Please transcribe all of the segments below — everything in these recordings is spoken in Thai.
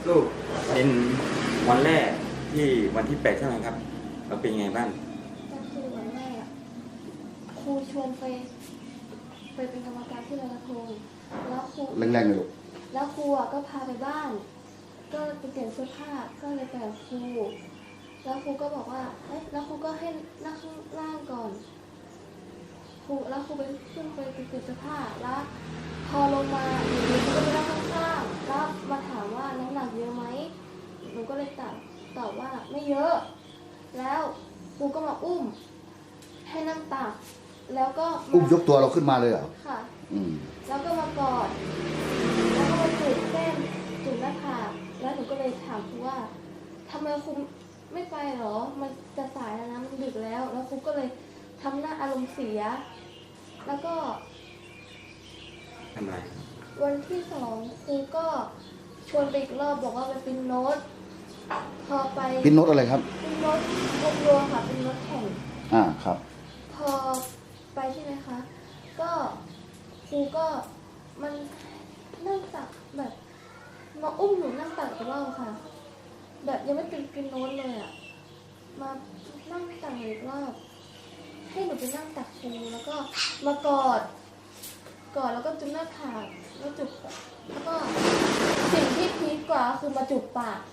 ลูกเป็นวันแรกที่วันที่8ใช่ไหมครับเราเป็นไงบ้างก็คือวันแรกครูชวนไปเป็นกรรมการที่ลอยกระทงแล้วครูแรงๆเลยลูกแล้วครูก็พาไปบ้านก็ไปเปลี่ยนเสื้อผ้าก็เลยไปกับครูแล้วครูก็บอกว่าแล้วครูก็ให้นั่งข้างล่างก่อนแล้วครูไปขึ้นไปเปลี่ยนเสื้อผ้าแล้วพอลงมาหนูก็ไปนั่งข้างๆแล้วมาถามว่าน้ำหนักเยอะไหมหนูก็เลยตอบว่าไม่เยอะแล้วครูก็มาอุ้มให้นั่งตักแล้วก็อุ้มยกตัวเราขึ้นมาเลยเหรอค่ะแล้วก็มากอดแล้วก็มาจูบแก้มจูบหน้าผากแล้วหนูก็เลยถามครูว่าทำไมครูไม่ไปหรอมันจะสายแล้วนะมันดึกแล้วแล้วครูก็เลยทำหน้าอารมณ์เสียแล้วก็ทำไรวันที่2ครูก็ชวนไปอีกรอบบอกว่าไปปิ้นโน้ตพอไปปิ้นโน้ตอะไรครับปิ้นโน้ตวงโยค่ะเป็นโน้ตแข่งครับพอไปใช่ไหมคะก็ครูก็มันนั่งตักแบบมาอุ้มหนูนั่งตักอีกรอบค่ะแบบยังไม่ปิ้นโน้ตเลยอ่ะมานั่งตักอีกรอบให้หนูไปนั่งตักครูแล้วก็มากอดแล้วก็จุ๊บหน้าผากแล้วจุ๊บแล้วก็สิ่งที่พีคกว่าคือมาจุ๊บปาก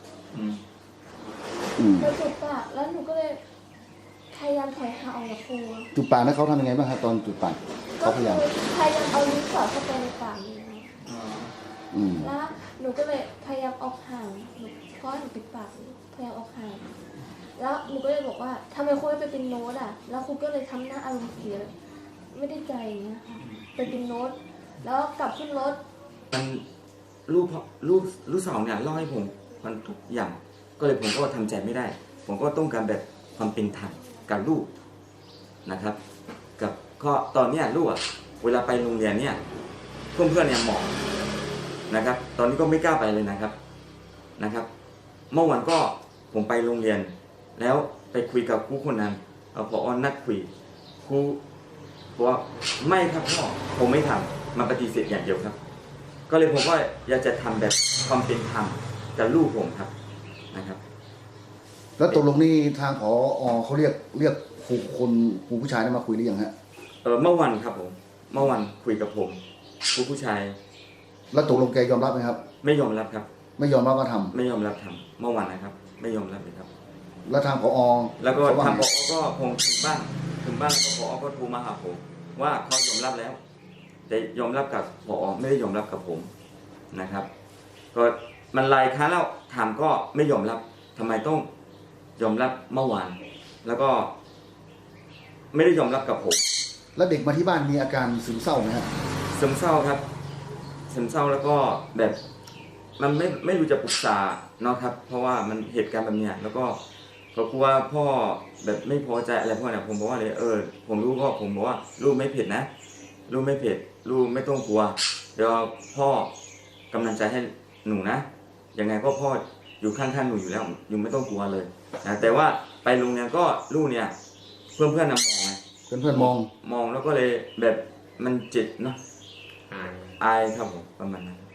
มาจุ๊บปากแล้วหนูก็เลยพยายามถอยห่างออกจากครูจุดปากนั้นเขาทำยังไงบ้างครับตอนจุดปากเขาพยายามเอาลิ้นสอดเข้าไปในปากแล้วหนูก็เลยพยายามออกห่างเพราะหนูปิดปากพยายามออกห่างแล้วหนูก็เลยบอกว่าทำไมครูไม่ไปเป็นโน้ตอ่ะแล้วครูก็เลยทำหน้าอารมณ์เสียไม่ได้ใจอย่างเงี้ยค่ะไปเป็นโน้ตแล้วกลับขึ้นรถมันลูกสาวเนี่ยเล่าให้ผมมันทุกอย่างก็เลยผมก็ทำใจไม่ได้ผมก็ต้องการแบบความเป็นธรรมกับลูกนะครับกับก็ตอนเนี้ยลูกเวลาไปโรงเรียนเนี่ยเพื่อนเนี่ยมองนะครับตอนนี้ก็ไม่กล้าไปเลยนะครับเมื่อวันก็ผมไปโรงเรียนแล้วไปคุยกับครูคนนั้นผอ.นัดคุยครูบอกว่าไม่ครับพ่อผมไม่ทำมาปฏิเสธอย่างเดียวครับก็เลยผมก็อยากจะทำแบบความเป็นธรรมกับลูกผมครับนะครับแล้วตกลงนี่ทางผอ.เขาเรียกครูผู้ชายได้มาคุยหรือยังฮะเมื่อวันครับผมเมื่อวันคุยกับผมครูผู้ชายแล้วตกลงแกยอมรับไหมครับไม่ยอมรับครับไม่ยอมรับว่าทำไม่ยอมรับทำเมื่อวันนะครับไม่ยอมรับเลยครับแล้วทางผอ. แล้วก็ทางผอ.ก็คงถึงบ้านแล้วก็ผอ.ก็โทรมาหาผมว่าเขายอมรับแล้วแต่ยอมรับกับผอ.ไม่ได้ยอมรับกับผมนะครับก็มันหลายครั้งแล้วถามก็ไม่ยอมรับทำไมต้องยอมรับเมื่อวานแล้วก็ไม่ได้ยอมรับกับผมแล้วเด็กมาที่บ้านมีอาการซึมเศร้าไหมครับซึมเศร้าครับซึมเศร้าแล้วก็แบบมันไม่รู้จะปรึกษาเนาะครับเพราะว่ามันเหตุการณ์แบบนี้แล้วก็กลัวพ่อแบบไม่พอใจอะไรพวกนี้ผมบอกว่าเลยผมรู้ก็ผมบอกว่าลูกไม่เผ็ดนะลูกไม่เผ็ดลูกไม่ต้องกลัวเดี๋ยวพ่อกำลังใจให้หนูนะยังไงก็พ่ออยู่ข้างๆหนูอยู่แล้วอยู่ไม่ต้องกลัวเลยนะแต่ว่าไปโรงเรียนก็ลูกเนี่ยเพื่อนๆมองไงเพื่อนมองแล้วก็เลยแบบมันเจ็บเนาะอายครับผมประมาณนั้น